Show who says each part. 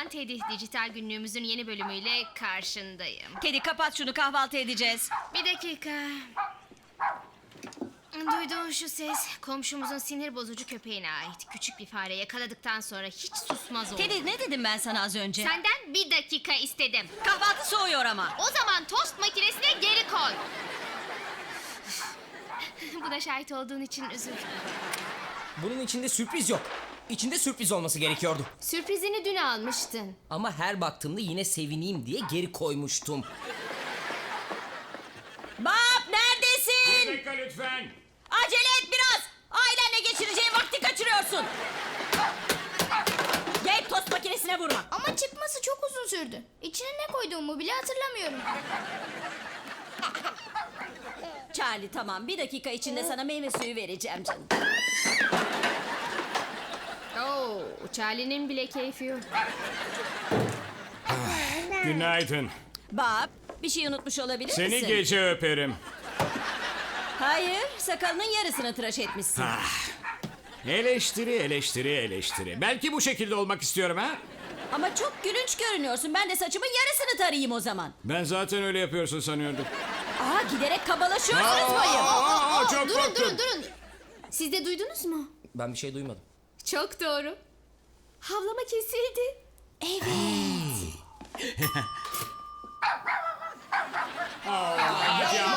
Speaker 1: Ben Teddy. Dijital günlüğümüzün yeni bölümüyle karşındayım.
Speaker 2: Kedi kapat şunu, kahvaltı edeceğiz.
Speaker 1: Bir dakika. Duyduğun şu ses komşumuzun sinir bozucu köpeğine ait. Küçük bir fare yakaladıktan sonra hiç susmaz oldu.
Speaker 2: Kedi, ne dedim ben sana az önce?
Speaker 1: Senden bir dakika istedim.
Speaker 2: Kahvaltı soğuyor ama.
Speaker 1: O zaman tost makinesine geri koy. Buna şahit olduğun için üzül.
Speaker 3: Bunun içinde sürpriz yok. İçinde sürpriz olması gerekiyordu.
Speaker 1: Sürprizini dün almıştın.
Speaker 3: Ama her baktığımda yine sevineyim diye geri koymuştum.
Speaker 2: Bab, neredesin?
Speaker 4: Bir dakika lütfen.
Speaker 2: Acele et biraz. Ailenle geçireceğin vakti kaçırıyorsun. Gel, tost makinesine vurma.
Speaker 5: Ama çıkması çok uzun sürdü. İçine ne koyduğumu bile hatırlamıyorum.
Speaker 2: Charlie, tamam, bir dakika içinde sana meyve suyu vereceğim canım.
Speaker 1: Oo, Charlie'nin bile keyfi yok.
Speaker 4: Günaydın.
Speaker 2: Bab, bir şey unutmuş olabilir
Speaker 4: Seni
Speaker 2: misin?
Speaker 4: gece öperim.
Speaker 2: Hayır, sakalının yarısını tıraş etmişsin.
Speaker 4: Eleştiri. Belki bu şekilde olmak istiyorum ha?
Speaker 2: Ama çok gülünç görünüyorsun. Ben de saçımın yarısını tarayayım o zaman.
Speaker 4: Ben zaten öyle yapıyorsun sanıyordum.
Speaker 2: Aa, giderek kabalaşıyorsunuz bayım.
Speaker 4: Çok
Speaker 1: Durun
Speaker 4: korktum.
Speaker 1: durun. Siz de duydunuz mu?
Speaker 3: Ben bir şey duymadım.
Speaker 1: Çok doğru. Havlama kesildi.
Speaker 4: Hadi ama.